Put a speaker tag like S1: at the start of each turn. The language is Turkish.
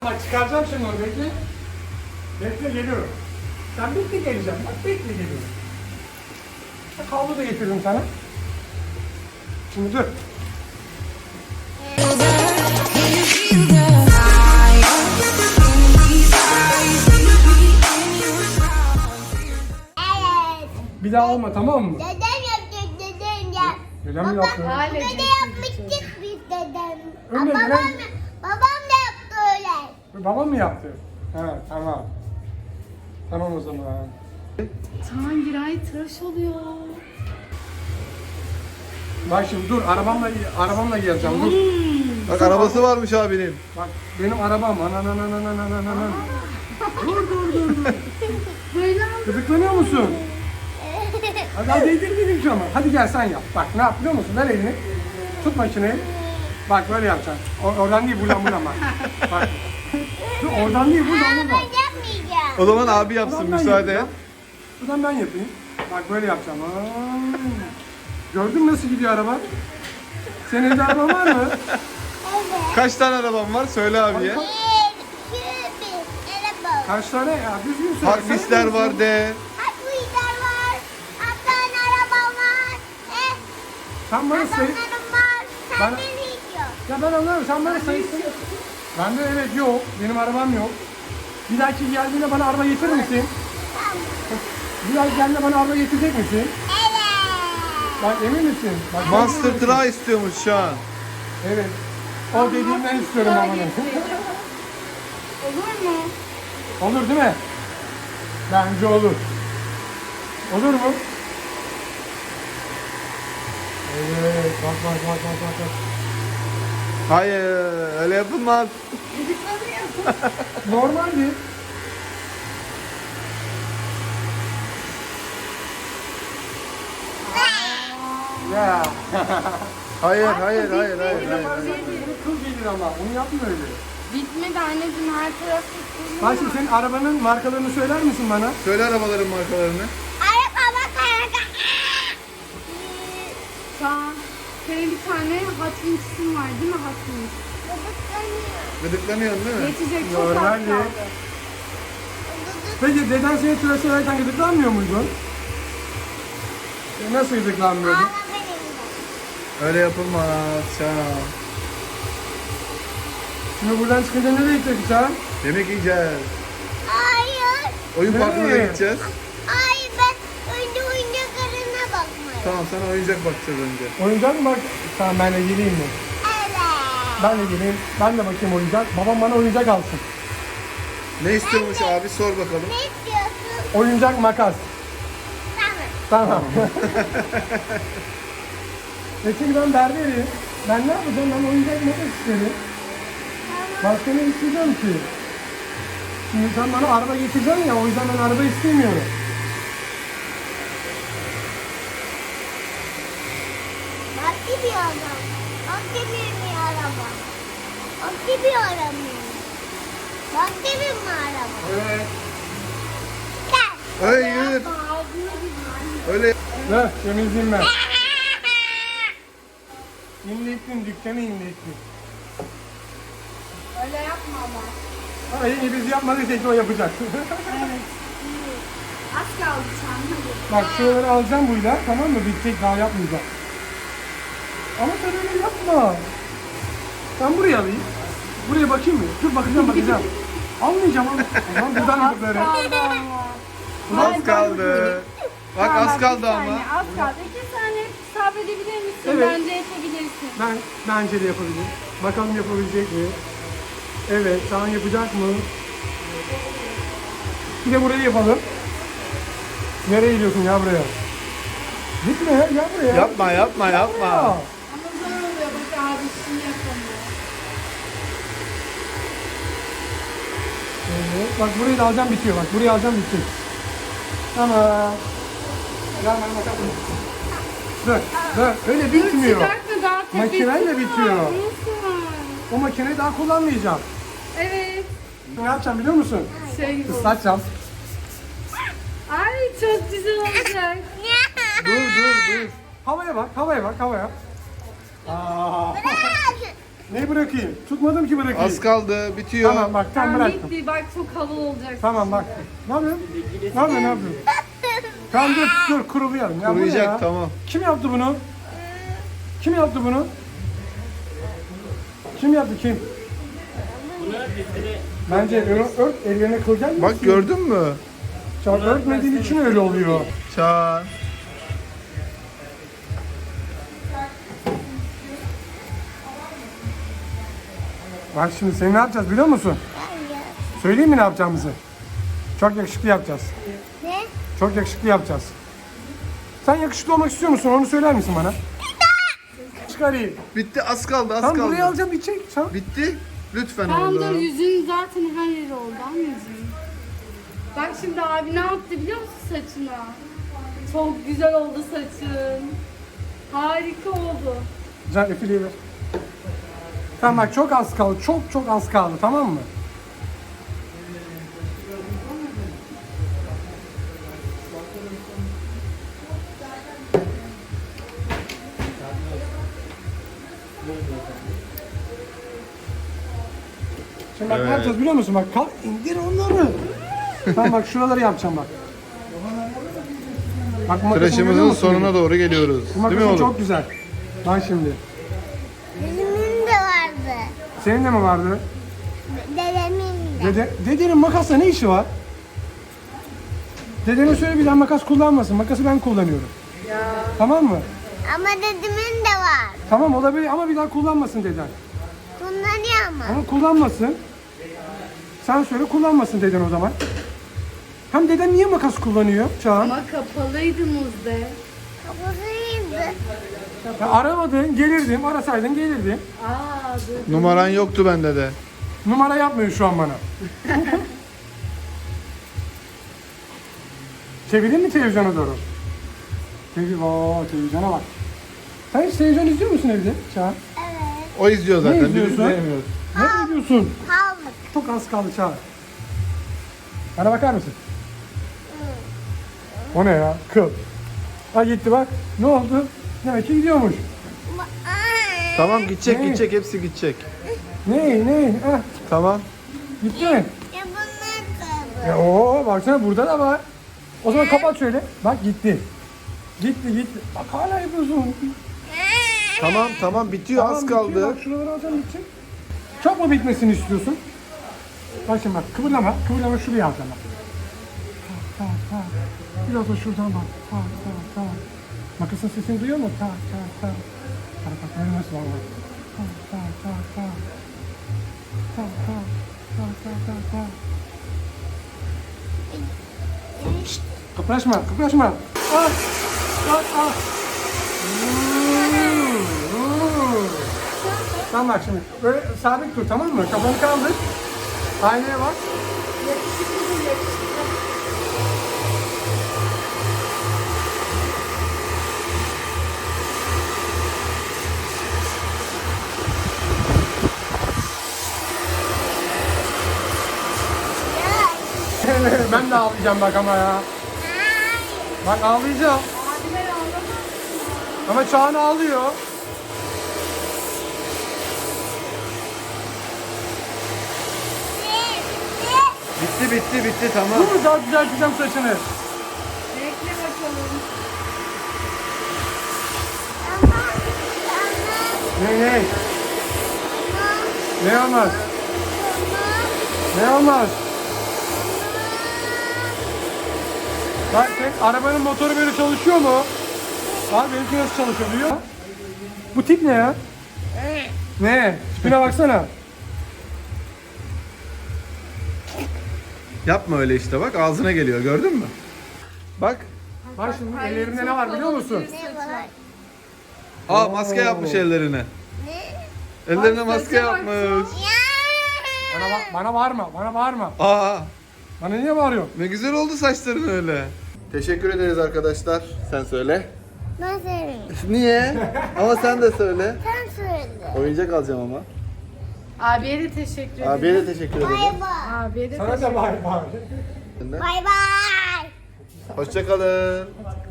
S1: Bak çıkaracağım şimdi onu, bekle. Bekle, geliyorum. Sen bekle, geleceğim. Bak bekle, geliyorum. Havlu da getirdim sana. Şimdi dur. Bir daha olma, tamam mı?
S2: Dedem yapacak, dedem yap.
S1: Dedem mi yaptı?
S2: Dede yapmıştık biz dedem.
S1: Öyle
S2: Babam,
S1: dedem-
S2: babam da yaptı öyle.
S1: Babam mı yaptı? Ha, tamam. Tamam o zaman.
S3: Çağan Giray tıraş oluyor.
S1: Bak şimdi dur, arabamla geleceğim, dur.
S4: Bak arabası varmış abinin.
S1: Bak benim arabam, anan. Dur.
S3: Böyle
S1: Gıdıklanıyor musun? Hadi değdirdim şu ama. Hadi gel sen yap. Bak ne yap biliyor musun? Ver elini. Tut makineyi. Bak böyle yapacaksın. Oradan değil, buradan bak. Bak. Dur, oradan değil, buradan.
S2: Ben yapmayacağım.
S4: O zaman abi yapsın
S1: Buradan ben
S4: müsaade et.
S1: yapacağım. Buradan ben yapayım. Bak böyle yapacağım. Aa. Gördün mü nasıl gidiyor araba? Senin evde araban var mı?
S2: Evet.
S4: Kaç tane araban var söyle abiye.
S2: 1, 2, 1. Araba.
S1: Kaç tane? Ya düzgün söyle.
S4: Harfisler
S1: Sen
S4: var de.
S2: Haklılar var. Hatta arabam var.
S1: Sen bana sayı...
S2: Adamlarım var. Sen
S1: Bana-
S2: beni yiyorsun.
S1: Ya ben anlarım. Sen bana sayısın. Bende evet yok. Benim arabam yok. Bir dahaki geldiğinde bana araba getirir misin?
S2: Tamam.
S1: Bir dahaki geldiğinde bana araba getirecek misin?
S2: Evet.
S1: Bak emin misin? Bak,
S4: Monster
S1: emin misin?
S4: Truck istiyormuş şu an.
S1: Evet. O dediğimden istiyorum ama.
S3: Olur mu?
S1: Olur değil mi? Bence olur. Olur mu? Evet. Bak.
S4: Hayır öyle yapılmaz.
S1: Normal değil. Ya.
S4: Hayır.
S1: Bunu kıl gelir ama. Onu yapma öyle.
S3: Bitmedi anneciğim, her tarafı sürüyor.
S1: Bak şimdi senin arabanın markalarını söyler misin bana?
S4: Söyle arabaların markalarını.
S2: Araba bak.
S3: Çağan, senin bir tane Hot Wings'in var değil mi Hot Wings?
S4: Gıdıklanıyorsun değil mi?
S3: Geçecek, çok az
S1: Normal
S3: kaldı.
S1: değil. Peki deden seni tıraş ederken gıdıklanmıyor muydun? Nasıl gıdıklanmıyordun?
S4: Öyle yapılmaz şu an.
S1: Şimdi buradan çıkınca nereye gidecek Çağan?
S4: Yemek yiyeceğiz.
S2: Hayır.
S4: Oyun parkına da
S1: Nereye?
S4: gideceğiz.
S2: Hayır, ben önce oyuncaklarına bakmayayım.
S4: Tamam sana oyuncak bakacağız önce.
S1: Oyuncak mı bak? Tamam ben de geleyim mi?
S2: Evet.
S1: Ben de geleyim. Ben de bakayım oyuncak. Babam bana oyuncak alsın.
S4: Ne istiyormuş abi sor bakalım.
S2: Ne istiyorsun?
S1: Oyuncak makas.
S2: Tamam.
S1: Tamam. Çünkü ben berberim. Ben ne yapacağım? Ben oyuncak makas isterim. Başka ne isteyeceğim ki? Şimdi sen bana araba getireceksin ya, o yüzden ben araba istemiyorum.
S2: Bak gibi adam. Bak gibi mi araba? Bak gibi araba. Bak gibi mi araba?
S1: Evet.
S2: Gel.
S4: Hayır. Öyle
S1: Ver, temizleyeyim ben. İnlettim, dükkanı inlettim.
S3: Öyle yapma ama.
S1: Ama iyi biz yapmadıysak o yapacak.
S3: Az kaldı Çağan, hadi.
S1: Bak şuraları alacağım buyla, tamam mı? Bitecek, daha yapmayacağım. Ama sen öyle yapma. Ben buraya alayım. Buraya bakayım mı? Dur bakacağım. Almayacağım ama. O zaman buradan yapıp
S3: Kaldı ama.
S4: az kaldı. Bak
S3: Tamam,
S4: az kaldı
S3: bir
S4: ama.
S3: saniye, az kaldı. 2 saniye sabredebilir misin?
S1: Evet.
S3: Bence yapabilirsin.
S1: Bence de yapabilir. Bakalım yapabilecek mi? Evet, Çağan yapacak mı? Bir de burayı yapalım. Nereye gidiyorsun ya buraya? Gitme ya, gel buraya.
S4: Yapma.
S1: Ya.
S3: Ama zor oluyor, bak abi işini yapamıyor.
S1: Evet, bak burayı da alacağım bitiyor bak. Burayı alacağım bitecek. Tamam. Gel bana bakalım. Dur. Öyle bitmiyor.
S3: Çıkartma, daha tepesi
S1: Makineyle
S3: var.
S1: bitiyor.
S3: Nasıl?
S1: O makineyi daha kullanmayacağım.
S3: Evet.
S1: Ne yapacağım biliyor musun?
S3: Şey gibi.
S1: Islatacağım.
S3: Ay çok güzel olacak.
S1: Dur. Havaya bak. Aa.
S2: Bırak.
S1: Neyi bırakayım? Tutmadım ki bırakayım.
S4: Az kaldı. Bitiyor.
S1: Tamam bak tam
S3: Tamam
S1: bıraktım.
S3: bitti. Bak çok havalı olacak.
S1: Tamam bak. Ne yapıyorsun? Ne yapıyorsun? Ne yapıyorsun? Tamam dur kurulayalım. Ya bu ne
S4: Kuruyacak
S1: ya?
S4: tamam.
S1: Kim yaptı bunu? Kim yaptı bunu? Kim yaptı kim? Bence ört ellerine kılacak.
S4: Bak gördün mü?
S1: Çağ örtmediğin için öyle oluyor.
S4: Çağan.
S1: Bak şimdi seni ne yapacağız biliyor musun?
S2: Hayır.
S1: Söyleyeyim mi ne yapacağımızı? Çok yakışıklı yapacağız.
S2: Ne?
S1: Çok yakışıklı yapacağız. Sen yakışıklı olmak istiyor musun? Onu söyler misin bana? Çıkarayım.
S4: Bitti az kaldı az
S1: Tamam
S4: kaldı.
S1: buraya alacağım bir çek. Tamam.
S4: Bitti. Lütfen
S3: Tamam dur
S4: oğlum.
S3: yüzün zaten her yeri oldu anneciğim. Bak şimdi abi ne yaptı biliyor musun saçına? Çok güzel oldu saçın. Harika oldu.
S1: Can efiliği ver. Tamam bak çok az kaldı. Çok az kaldı tamam mı? Şimdi bak ne
S4: Evet.
S1: yapacağız biliyor musun? Bak kalk indir onları. Tamam bak şuraları yapacağım bak. Bak makasını görüyor
S4: Tıraşımızın
S1: musun
S4: sonuna
S1: benim?
S4: doğru geliyoruz.
S1: Bu
S4: Değil mi
S1: makasın
S4: oğlum?
S1: çok güzel. Bak şimdi.
S2: Benim de vardı.
S1: Senin de mi vardı?
S2: Dedemin de.
S1: Dedenin makasla ne işi var? Dedene söyle bir daha makas kullanmasın. Makası ben kullanıyorum. Tamam mı?
S2: Ama dedemin de var.
S1: Tamam olabilir ama bir daha kullanmasın deden.
S2: Kullanıyor ama.
S1: Ama kullanmasın. Sen söyle kullanmasın deden o zaman. Hem deden niye makas kullanıyor Çağan?
S3: Ama kapalıydı Muzde.
S2: Kapısıydı.
S1: Ya aramadın, gelirdim. Arasaydın gelirdim.
S3: Aa dur.
S4: Numaran yoktu bende de.
S1: Numara yapmıyor şu an bana. Çevireyim mi televizyona doğru? Televizyona bak. Sen hiç televizyon izliyor musun evde Çağan?
S2: Evet.
S4: O izliyor zaten.
S1: Ne
S4: biz
S1: izliyorsun?
S4: izleyemiyoruz.
S1: Ne izliyorsun?
S2: Havlık.
S1: Çok az kaldı Çağan. Bana bakar mısın? O ne ya? Kıl. Ha gitti bak. Ne oldu? Demek ki gidiyormuş.
S4: Tamam gidecek
S1: Ne?
S4: gidecek hepsi gidecek.
S1: Ne? Ah,
S4: Tamam.
S1: gitti mi?
S2: Ya bunlar kaldı.
S1: Oo baksana burada da var. O zaman kapat şöyle. Bak gitti. Gitti. Bak hala yapıyorsun.
S4: Tamam bitiyor az
S1: bitiyor.
S4: kaldı.
S1: Bak şuraları alacağım bitecek. Çok mu bitmesini istiyorsun? Bak şimdi bak kıvırlama şuraya alacağım bak. Ta. Biraz da şuradan bak. Ta. Makasın sesini duyuyor mu? Ta. Bak böyle nasıl var bak. Ta. Şşt, kıpraşma. Ah. Tamam bak şimdi böyle sabit dur tamam mı? Kafanı kaldır. Aynaya bak. Ben de ağlayacağım bak ama ya. Bak ağlayacağım. Ama Çağan ağlıyor.
S4: Bitti tamam.
S1: Dur daha düzelteceğim saçını.
S3: Bekle bakalım.
S1: Ne? Ne olmaz? Ne olmaz? Bak sen arabanın motoru böyle çalışıyor mu? Abi benimki nasıl çalışıyor duyuyor musun? Bu tip ne ya? Ne? Tipine baksana.
S4: Yapma öyle işte bak ağzına geliyor gördün mü? Bak.
S1: Bak şimdi
S3: Ay,
S1: ellerinde
S3: çok
S1: ne var biliyor
S3: havalı
S1: musun?
S3: bir saç var.
S4: Aa maske yapmış ellerine. Ellerine maske
S3: saça bak,
S4: yapmış.
S1: Bana bağırma.
S4: Aa
S1: Bana niye bağırıyorsun?
S4: ne güzel oldu saçların öyle. Teşekkür ederiz arkadaşlar. Sen söyle.
S2: Ben söyleyeyim.
S4: Niye? Ama sen de söyle.
S2: Sen söyle.
S4: Oyuncak alacağım ama.
S3: Abiye de teşekkür ederim.
S4: Abiye de teşekkür ederim.
S2: Bay bay.
S3: Abiye de
S1: Sana da bağır.
S2: Bay bay.
S4: Hoşça kalın.